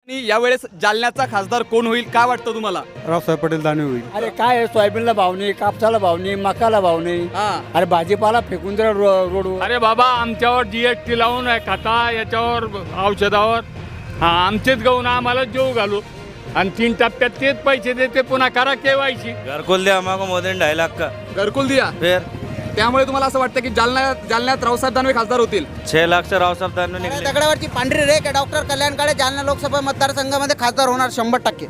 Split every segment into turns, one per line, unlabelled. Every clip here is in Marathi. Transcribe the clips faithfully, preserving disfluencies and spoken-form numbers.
यावेळेस जालन्याचा खासदार कोण होईल काय वाटतं तुम्हाला?
रावसाहेब पटेल दानवे होईल.
अरे काय आहे, सोयाबीनला भाव नाही, कापसाला भाव नाही, मकाला भाव नाही.
हा.
अरे भाजीपाला फेकून दिला रो- रोडवर.
अरे बाबा आमच्यावर जीएसटी लावून आहे खाता याच्यावर औषधावर हा आमचेच गहू ना आम्हाला जेव घालू आणि तीन टप्प्यात तेच पैसे देते पुन्हा करा केवायसी.
घरकुल दिया हमको मोदी ने ढाई लाख का
घरकुल दिया
फिर
त्यामुळे तुम्हाला असं वाटतं की जालना जालन्यात रावसाहेब दानवे खासदार होतील?
छह लाख से राव साहब दानवे निकले.
दगडावरची पांढरी रेख आहे. डॉक्टर कल्याण काळे जालना लोकसभा मतदारसंघामध्ये खासदार होणार शंभर टक्के.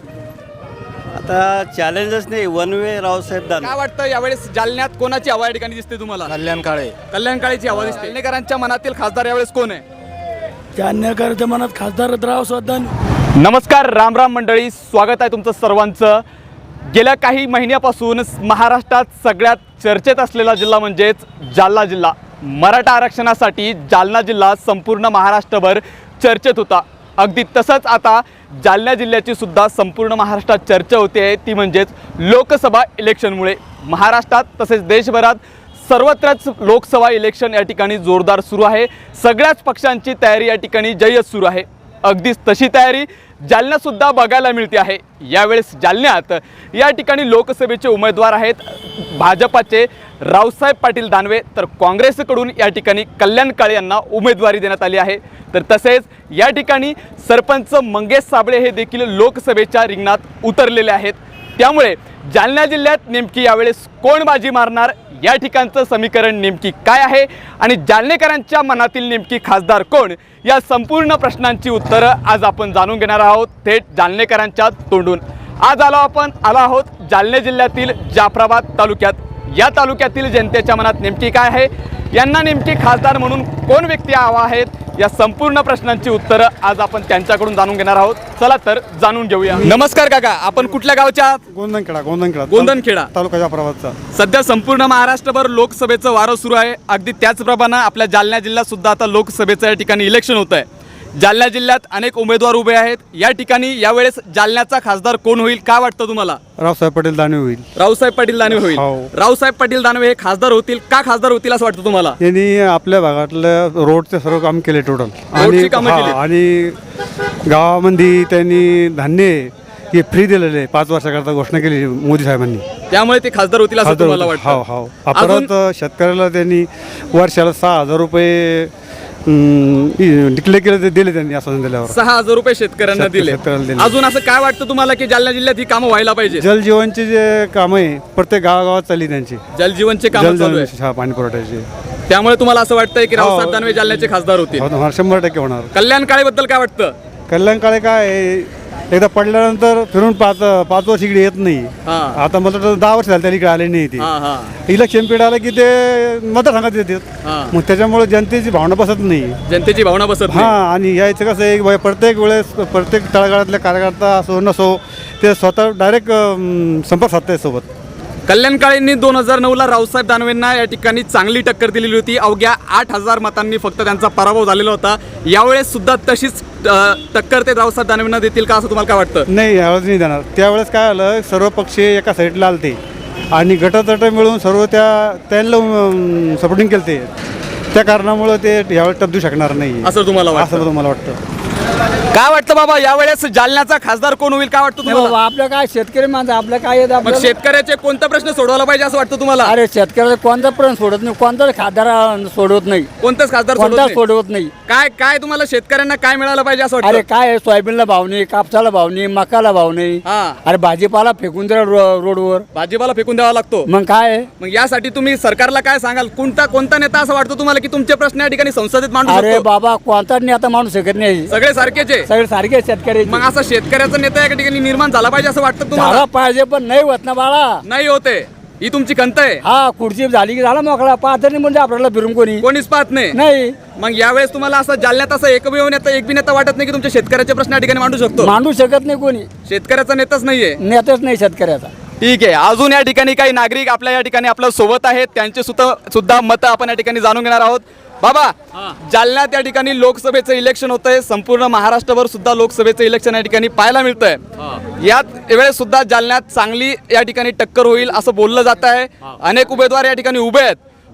आता चॅलेंजच नाही वन वे रावसाहेब दानवे.
काय वाटतं यावेळेस जालन्यात कोणाची हवा या ठिकाणी दिसते तुम्हाला?
कल्याण काळे.
कल्याण काळेची हवा दिसते. जालनेकरांच्या मनातील खासदार यावेळेस कोण आहे?
जालन्याकरच्या मनात खासदार रावसाहेब दानवे.
नमस्कार, राम राम मंडळी, स्वागत आहे तुमचं सर्वांचं. गेल्या काही महिन्यापासून महाराष्ट्रात सगळ्यात चर्चेत असलेला जिल्हा म्हणजेच जालना जिल्हा. मराठा आरक्षणासाठी जालना जिल्हा संपूर्ण महाराष्ट्रभर चर्चेत होता. अगदी तसंच आता जालना जिल्ह्याची सुद्धा संपूर्ण महाराष्ट्रात चर्चा होते, ती म्हणजेच लोकसभा इलेक्शनमुळे. महाराष्ट्रात तसेच देशभरात सर्वत्रच लोकसभा इलेक्शन या ठिकाणी जोरदार सुरू आहे. सगळ्याच पक्षांची तयारी या ठिकाणी जय्यत सुरू आहे. अगदीच तशी तयारी जालन्यातसुद्धा बघायला मिळते आहे. यावेळेस जालन्यात या ठिकाणी लोकसभेचे उमेदवार आहेत भाजपाचे रावसाहेब पाटील दानवे, तर काँग्रेसकडून या ठिकाणी कल्याण काळे यांना उमेदवारी देण्यात आली आहे. तर तसेच या ठिकाणी सरपंच मंगेश साबळे हे देखील लोकसभेच्या रिंगणात उतरलेले आहेत. त्यामुळे जालना जिल्ह्यात नेमकी यावेळेस कोण बाजी मारणार, या ठिकाणचं समीकरण नेमकी काय आहे आणि जालनेकरांच्या मनातील नेमकी खासदार कोण, या संपूर्ण प्रश्नांची उत्तरं आज आपण जाणून घेणार आहोत थेट जालनेकरांच्या तोंडून. आज आलो आपण आलो आहोत जालना जिल्ह्यातील जाफराबाद तालुक्यात. या तालुक्यातील जनतेच्या मनात नेमकी काय आहे, यांना नेमकी खासदार म्हणून कोण व्यक्ती हवा आहेत, या संपूर्ण प्रश्नांची उत्तरं आज आपण त्यांच्याकडून जाणून घेणार आहोत. चला तर जाणून घेऊया. नमस्कार काका, आपण कुठल्या गावच्या आहात?
गोंधनखेडा गोंधनखेडा
गोंधनखेडा
तालुका जाफराबादचा.
सध्या संपूर्ण महाराष्ट्रभर लोकसभेचं वारं सुरू आहे. अगदी त्याचप्रमाणे आपल्या जालना जिल्ह्यात सुद्धा आता लोकसभेचं या ठिकाणी इलेक्शन होत आहे. जालना जिल्ह्यात अनेक उमेदवार उभे आहेत. या ठिकाणी यावेळेस जालन्याचा खासदार कोण होईल काय वाटतं तुम्हाला?
रावसाहेब पटेल दानवे होईल.
रावसाहेब पाटील दानवे होईल.
हो.
रावसाहेब पाटील दानवे हे खासदार होतील का खासदार होतील असं वाटतं तुम्हाला?
यांनी आपल्या भागातलं रोडचे सर्व काम केले टोटल.
रोडची कामं केलीत.
आणि गावामध्ये त्यांनी धान्य हे फ्री दिलेले आहे. पाच वर्षाकरता घोषणा केली मोदी साहेबांनी.
त्यामुळे ते खासदार होतील असं तुम्हाला वाटतं?
हो हो. परत शेतकऱ्याला त्यांनी वर्षाला सहा हजार रुपये डिक्लेअर केले, ते दिले त्यांनी असं दिल्यावर.
सहा हजार रुपये शेतकऱ्यांना
शेतकरी-
दिले.
शेतकऱ्याला दिले.
अजून असं काय वाटतं तुम्हाला की जालना जिल्ह्यात ही कामं व्हायला पाहिजे?
जलजीवनचे जे काम आहे प्रत्येक गावागावात चालली त्यांची.
जलजीवनचे काम चालू आहे.
जल पाणी पुरवठ्याचे.
त्यामुळे तुम्हाला असं वाटतंय की
हो.
रावसाहेब दानवे जालन्याचे खासदार होतील?
होणार, शंभर टक्के होणार.
कल्याण काळेबद्दल काय वाटतं?
कल्याण काळे काय आहे, एकदा पडल्यानंतर फिरून पाच पाच वर्ष इकडे येत नाही.
हा.
आता मला तर दहा वर्ष झाले त्याला इकडे आले नाही. ते
हा हा
इलेक्शन पिरियड आलं की ते मतदारसंघात येतात.
हा.
मग त्याच्यामुळे जनतेची भावना बसत नाही.
जनतेची भावना बसत
हा.
नाही.
आणि यायचं कसं आहे, प्रत्येक वेळेस प्रत्येक तळागाळातल्या कार्यकर्ता असो नसो ते स्वतः डायरेक्ट संपर्क साधताय सोबत.
कल्याण काळेंनी दोन हजार नऊ ला रावसाहेब दानवेंना या ठिकाणी चांगली टक्कर दिलेली होती. अवघ्या आठ हजार मतांनी फक्त त्यांचा पराभव झालेला होता. यावेळेस सुद्धा तशीच अ, टक्कर ते रावसाहेब दानवेंना देतील का असं तुम्हाला काय वाटतं?
नाही, यावेळेस नाही देणार. त्यावेळेस काय आलं, सर्व पक्ष एका साईडला आलते आणि गटतट मिळून सर्व त्या त्यांना सपोर्टिंग केलं. ते त्या कारणामुळे ते यावेळेस टप देऊ शकणार नाही
असं तुम्हाला वाटतं?
असं तुम्हाला वाटतं?
काय वाटतं बाबा, यावेळेस जालन्याचा खासदार कोण होईल काय वाटतं
नाही
तुम्हाला?
बाबा, आपलं काय शेतकरी माणसं, आपलं काय येतं
मग
आपल्याला?
शेतकऱ्याचे कोणता प्रश्न सोडवला पाहिजे असं वाटतं तुम्हाला?
अरे शेतकऱ्याचा कोणता प्रश्न सोडत नाही, कोणताच खासदार सोडवत नाही,
कोणताच खासदार सोडवत
कोणताच
नाही?
सोडवत नाही.
काय काय तुम्हाला शेतकऱ्यांना काय मिळालं पाहिजे असं
अरे
वाटतं?
काय आहे, सोयाबीनला भाव नाही, कापसाला भाव नाही, मकाला भाव नाही.
हा.
अरे भाजीपाला फेकून दिला रो- रोडवर.
भाजीपाला फेकून द्यावा लागतो.
मग काय आहे?
मग यासाठी तुम्ही सरकारला काय सांगाल? कोणता कोणता नेता असं वाटतं तुम्हाला की तुमचे प्रश्न या ठिकाणी संसदेत मांडू
अरे
शकतो?
बाबा, कोणताच नाही आता माणूस शकत नाही.
सगळे सारखेच आहे.
सगळे सारखे शेतकरी
मग असा शेतकऱ्याचा नेता या ठिकाणी निर्माण झाला पाहिजे असं वाटतं तुम्हाला?
झाला पाहिजे, पण नाही होत ना बाळा.
नाही होते, ही तुमची खंत आहे.
हा, खुर्ची झाली की झाला मोकळा. पाहत नाही म्हणजे आपल्याला फिरून कोणी
कोणीच पाहत नाही.
नाही.
मग यावेळेस तुम्हाला असं जालन्यात असं एकमेव नेता एक बी नेता वाटत नाही की तुमच्या शेतकऱ्याचे प्रश्न या ठिकाणी मांडू शकतो?
मांडू शकत नाही कोणी,
शेतकऱ्याचा नेताच नाहीये.
नेताच नाही शेतकऱ्याचा.
ठीक आहे, अजून या ठिकाणी काही नागरिक आपल्या या ठिकाणी आपल्या सोबत आहेत, त्यांचे सुद्धा सुद्धा मतं आपण या ठिकाणी जाणून घेणार आहोत. बाबा, जालन्यात या ठिकाणी लोकसभेचं इलेक्शन होतंय. संपूर्ण महाराष्ट्रभर सुद्धा लोकसभेचं इलेक्शन या ठिकाणी पाहायला मिळतंय. यात वेळेस सुद्धा जालन्यात चांगली या ठिकाणी टक्कर होईल असं बोललं जात आहे. अनेक उमेदवार या ठिकाणी उभे आहेत.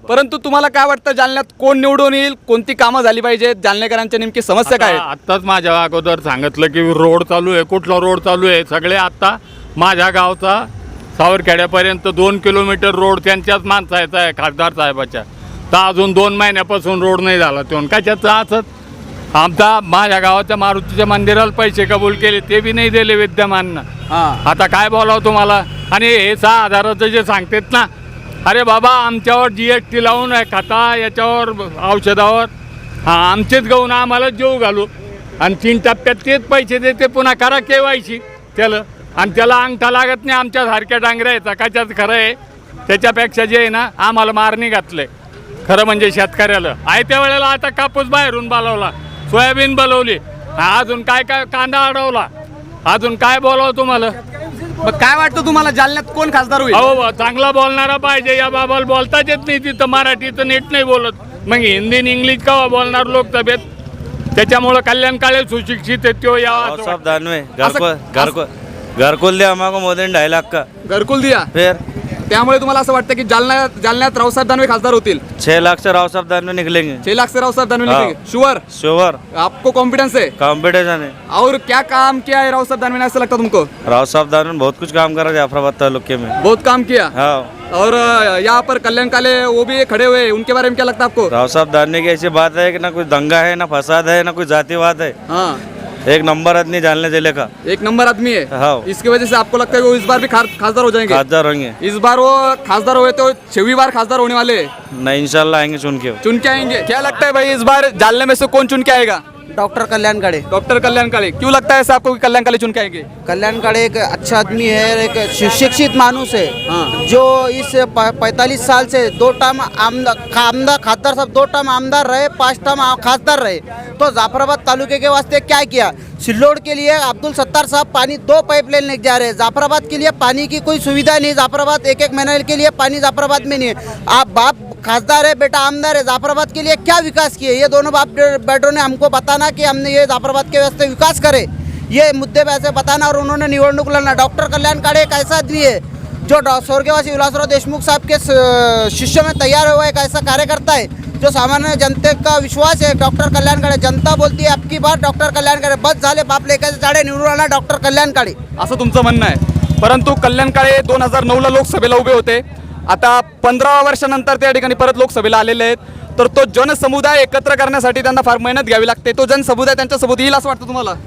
परंतु तुम्हाला काय वाटतं जालन्यात कोण निवडून येईल, कोणती कामं झाली पाहिजेत, जालनेकरांच्या नेमकी समस्या काय आहेत?
आता- आत्ताच माझ्या अगोदर सांगितलं की रोड चालू आहे, कुठला रोड चालू आहे. सगळे आत्ता माझ्या गावचा सावरखेड्यापर्यंत दोन किलोमीटर रोड त्यांच्याच माणसाचा आहे, खासदार साहेबाच्या. तर अजून दोन महिन्यापासून रोड नाही झाला. तो कशाचं असत आमचा माझ्या गावाच्या मारुतीच्या मंदिराला पैसे कबूल केले, ते बी नाही दिले विद्यमाननं.
हां
आता काय बोलावं तुम्हाला. आणि हे सहा हजाराचं जे सांगतात ना, अरे बाबा आमच्यावर जी एस टी लावून आहे खाता याच्यावर औषधावर, हां आमचेच गहून आम्हाला जेव घालू आणि तीन टप्प्यात तेच पैसे देते. पुन्हा करा केवायसी त्याला, आणि त्याला अंगठा लागत नाही. आमच्यासारख्या डांगऱ्याचा कशाच खरं आहे. त्याच्यापेक्षा जे आहे ना आम्हाला मारणी घातले खरं म्हणजे शेतकऱ्याला. आहे त्या वेळेला आता कापूस बाहेरून बोलावला, सोयाबीन बोलवली, अजून काय काय कांदा अडवला, अजून काय बोलावं तुम्हाला.
मग काय वाटतं तुम्हाला जालन्यात कोण खासदार होईल?
अहो चांगला बोलणारा पाहिजे. या बाबाला बोलताच येत नाही, तिथं मराठीचं नीट नाही बोलत, मग हिंदी आणि इंग्लिश का बोलणार लोकसभेत. त्याच्यामुळं कल्याण काळे सुशिक्षित है तो यावा.
सब दानवे घर
असं-
को घर को घर को दिया हमको मोदी ने ढाई लाख का.
घरकुल दिया,
फिर
त्यामुळे तुम्हाला असं वाटतं की जालना जालन्यात रावसाहेब दानवे खासदार होतील?
छह लाख से राव साहब दानवे निकलेंगे.
छह लाख से रावसाहेब दानवे
हाँ।
निकलेंगे, श्योर?
श्योर
आपको कॉन्फिडेंस है?
कॉम्पिटिशन है.
और क्या काम किया है रावसाहेब दानवे ने, ऐसा लगता तुमको?
राव साहब दानवे ने बहुत कुछ काम करा जाफराबाद तालुके में.
बहुत काम किया।
हाँ,
और अ, यहाँ पर कल्याण काले वो भी खड़े हुए हैं, उनके बारे में क्या लगता है आपको?
राव साहब दानवे की ऐसी बात है कि ना कोई दंगा है, ना फसाद है, ना कोई जातिवाद है.
हाँ,
एक नंबर आदमी जालने जिले का.
एक नंबर आदमी है।
हाँ,
इसकी वजह से आपको लगता है वो इस बार भी खास- खासदार हो जाएंगे?
खासदार होंगे.
इस बार वो खासदार हुए तो छवी बार खासदार होने वाले हैं।
नहीं, इंशाल्लाह आएंगे चुन के.
चुन के आएंगे। क्या लगता है भाई इस बार जालने में से कौन चुन के आएगा?
डॉक्टर कल्याण काळे.
डॉक्टर कल्याण काळे। क्यों लगता है ऐसा आपको कि कल्याण काळे चुन के आएंगे?
कल्याण काळे एक अच्छा आदमी है, एक सुशिक्षित मानुस है,
हाँ।
जो इस पैंतालीस साल से दो टर्म आमदार आमदार खासदार साहब दो टर्म आमदार रहे, पाँच टर्म खासदार रहे. तो जाफराबाद तालुके के वास्ते क्या किया? सिल्लोड के लिए अब्दुल सत्तार साहब पानी दो पाइपलाइन लेके जा रहे हैं. जाफराबाद के लिए पानी की कोई सुविधा नहीं. जाफराबाद एक एक महीने के लिए पानी जाफराबाद में नहीं है. आप बाप खासदार है, बेटा आमदार है, जाफराबाद के लिए क्या विकास किए? ये दोनों बाप बेटों ने हमको बताना कि हमने ये जाफराबाद के वास्ते विकास करे, ये मुद्दे पे ऐसे बताना. और उन्होंने निवडणूक लड़ना. डॉक्टर कल्याण काळे एक ऐसा आदमी है जो डॉ- स्वर्गवासी विलासराव देशमुख साहब के स- शिष्य में तैयार हुआ एक ऐसा कार्यकर्ता है जो सामान्य जनते का विश्वास है. डॉक्टर कल्याण काळे. जनता बोलती है आपकी बात डॉक्टर कल्याण काळे. बस झाले, बाप लेखाचे झाडे निवडून आणा डॉक्टर कल्याण काळे.
असं तुमचं म्हणणं आहे. परंतु कल्याण काळे दोन हजार नऊला लोकसभेला उभे होते. आता पंधरा वर्षानंतर त्या ठिकाणी परत लोकसभेला आलेले आहेत. तर तो जनसमुदाय एकत्र करण्यासाठी त्यांना फार मेहनत घ्यावी लागते. तो जनसमुदाय त्यांच्यासोबत येईल असं वाटतं तुम्हाला?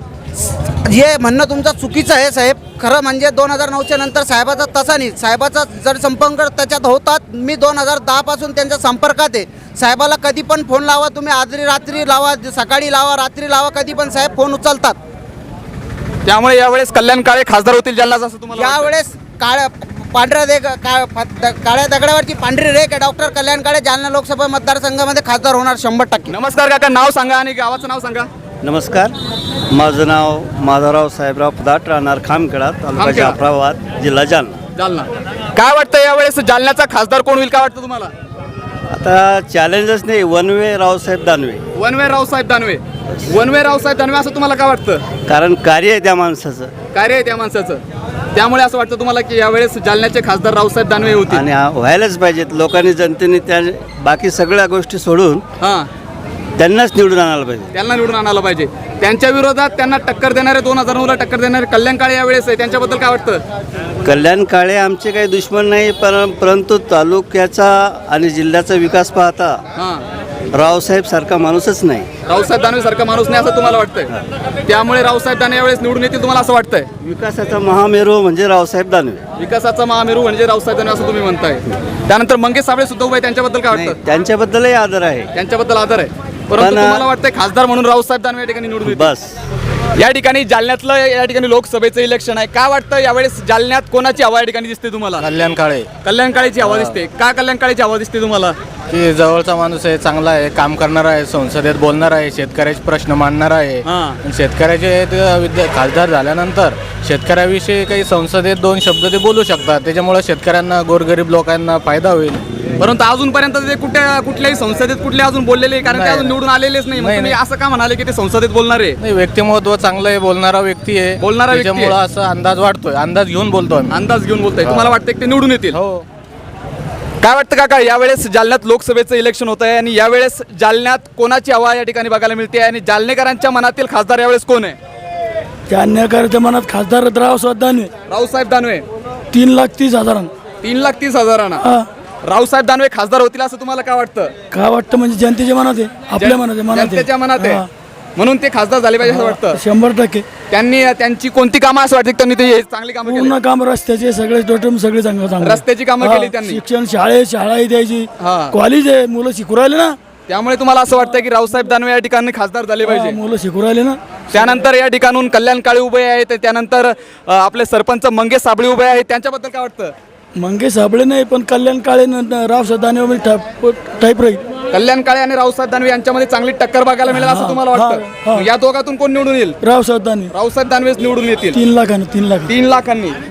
हे म्हणणं तुमचं चुकीचं आहे साहेब. खरं म्हणजे दोन हजार नऊच्या नंतर साहेबाचा तसा नाही. साहेबाचा जर संपर्क त्याच्यात होतात. मी दोन हजार दहापासून त्यांच्या संपर्कात आहे. साहेबाला कधी पण फोन लावा तुम्ही, आजरी रात्री लावा, सकाळी लावा, रात्री लावा, कधी पण साहेब फोन उचलतात.
त्यामुळे यावेळेस कल्याण काळे खासदार होतील जालन्यात असं तुम्हाला वाटतं?
यावेळेस काळ्या पांढऱ्या दे का काळ्या दगडावरची पांढरी रेख आहे. डॉक्टर कल्याण काळे जालना लोकसभा मतदारसंघामध्ये खासदार होणार शंभर टक्के.
नमस्कार काका, नाव सांगा आणि गावाचं नाव सांगा.
नमस्कार, माझं नाव माधवराव साहेबराव पदाट, राहणार खामखेडा, तालुका
खामखेडा.
जाफराबाद, जिल्हा जालना.
जालना. काय वाटतं यावेळेस जालन्याचा खासदार कोण होईल, काय वाटतं तुम्हाला?
आता चॅलेंजच नाही, one way Raosaheb Danve.
One way Raosaheb Danve. One way Raosaheb Danve असं तुम्हाला काय वाटतं?
कारण कार्य आहे त्या माणसाचं
कार्य आहे त्या माणसाचं, त्यामुळे असं वाटतं तुम्हाला की यावेळेस जालन्याचे खासदार रावसाहेब दानवे होतील?
आणि हा व्हायलाच पाहिजेत. लोकांनी, जनतेने त्या बाकी सगळ्या गोष्टी सोडून
हां,
त्यांनाच निवडून आणायला पाहिजे.
त्यांना निवडून आणायला पाहिजे. त्यांच्या विरोधात त्यांना टक्कर देणारे, दोन हजार नऊला टक्कर देणारे कल्याण काळे यावेळेस आहे, त्यांच्याबद्दल काय वाटतं?
कल्याण काळे आमचे काही दुश्मन नाही, पर परंतु तालुक्याचा आणि जिल्ह्याचा विकास पाहता
हां,
रावसाहेब सारखा माणूसच नाही.
रावसाहेब दानवे सारखा माणूस नाही असं तुम्हाला वाटतंय, त्यामुळे रावसाहेब दानवे यावेळेस निवडून येतील तुम्हाला असं वाटतंय?
विकासाचा महामेरू म्हणजे रावसाहेब दानवे.
विकासाचा महामेरू म्हणजे रावसाहेब दानवे असं तुम्ही म्हणताय. त्यानंतर मंगेश साबळे सुद्धा उभे आहेत, त्यांच्याबद्दल काय
नाही,
वाटतं?
त्यांच्याबद्दलही आदर आहे.
त्यांच्याबद्दल आदर आहे, परंतु
पण-
तुम्हाला वाटतंय खासदार म्हणून रावसाहेब दानवे या ठिकाणी निवडून येतील?
बस.
या ठिकाणी जालन्यातलं या ठिकाणी लोकसभेचं इलेक्शन आहे. काय वाटतं यावेळेस जालन्यात कोणाची हवा या ठिकाणी दिसते तुम्हाला?
कल्याण काळे.
कल्याण काळेची हवा दिसते. का कल्याण काळेची हवा दिसते तुम्हाला?
की जवळचा माणूस आहे, चांगला आहे, काम करणारा आहे, संसदेत बोलणार आहे, शेतकऱ्याचे प्रश्न मांडणार आहे.
हां.
आणि शेतकऱ्याचे ते विद्या खासदार झाल्यानंतर शेतकऱ्याविषयी काही संसदेत दोन शब्द ते बोलू शकतात. त्याच्यामुळे शेतकऱ्यांना, गोरगरीब लोकांना फायदा होईल.
परंतु अजूनपर्यंत ते कुठे कुठल्याही संसदेत कुठले अजून बोललेले, कारण ते
नाही.
अजून निवडून आलेलेच नाही. मग
नाही,
तुम्ही
नाही.
असं का म्हणाले की ते संसदेत बोलणार आहे?
नाही, व्यक्तिमत्व चांगलं आहे, बोलणारा व्यक्ती आहे.
बोलणारा व्यक्ती आहे.
त्याच्यामुळं असं अंदाज वाटतोय, अंदाज घेऊन बोलतो आम्ही.
अंदाज घेऊन बोलताय. तुम्हाला वाटतं की ते निवडून येतील?
हो.
काय वाटतं काका, यावेळेस जालन्यात लोकसभेचं इलेक्शन होत आहे आणि यावेळेस जालन्यात कोणाची हवा या ठिकाणी बघायला मिळते आणि जालनेकरांच्या मनातील खासदार यावेळेस कोण आहे?
जालनेकरांच्या मनात खासदार रावसाहेब दानवे
रावसाहेब दानवे.
तीन लाख तीस हजारांना.
तीन लाख तीस हजारांना
हा.
रावसाहेब दानवे खासदार होतील असं तुम्हाला काय वाटतं?
काय वाटतं म्हणजे जनतेच्या मनात आहे, आपल्या मनात आहे, मनात आहे.
जनतेच्या मनात आहे
हा.
म्हणून ते खासदार झाले पाहिजे असं वाटतं.
शंभर टक्के
त्यांनी त्यांची कोणती कामं असं वाटतं की त्यांनी ते चांगली कामं केली?
पूर्ण काम रस्त्याचे सगळे टोटल सगळे चांगलं चांगलं
रस्त्याची कामं
हा,
केली त्यांनी.
शिक्षण शाळे शाळा द्यायची,
हा.
कॉलेज आहे, मुलं शिकू राहिले ना.
त्यामुळे तुम्हाला असं वाटतं की रावसाहेब दानवे या ठिकाणी खासदार झाले
हा,
पाहिजे.
मुलं शिकू राहिले ना.
त्यानंतर या ठिकाणून कल्याण काळे उभे आहेत, त्यानंतर अ, आपले सरपंच मंगेश साबळे उभे आहेत, त्यांच्याबद्दल काय वाटतं?
मंगेश साबळे नाही पण कल्याण काळे रावसाहेब दानवे टाईप राहील.
कल्याण काळे आणि रावसाहेब दानवे यांच्यामध्ये चांगली टक्कर बघायला मिळेल असं
हा,
तुम्हाला
हा,
वाटतं?
हा.
या दोघातून कोण निवडून येईल?
रावसाहेब दानवे
रावसाहेब दानवेच निवडून येतील
तीन लाखानं तीन लाख
तीन लाखांनी.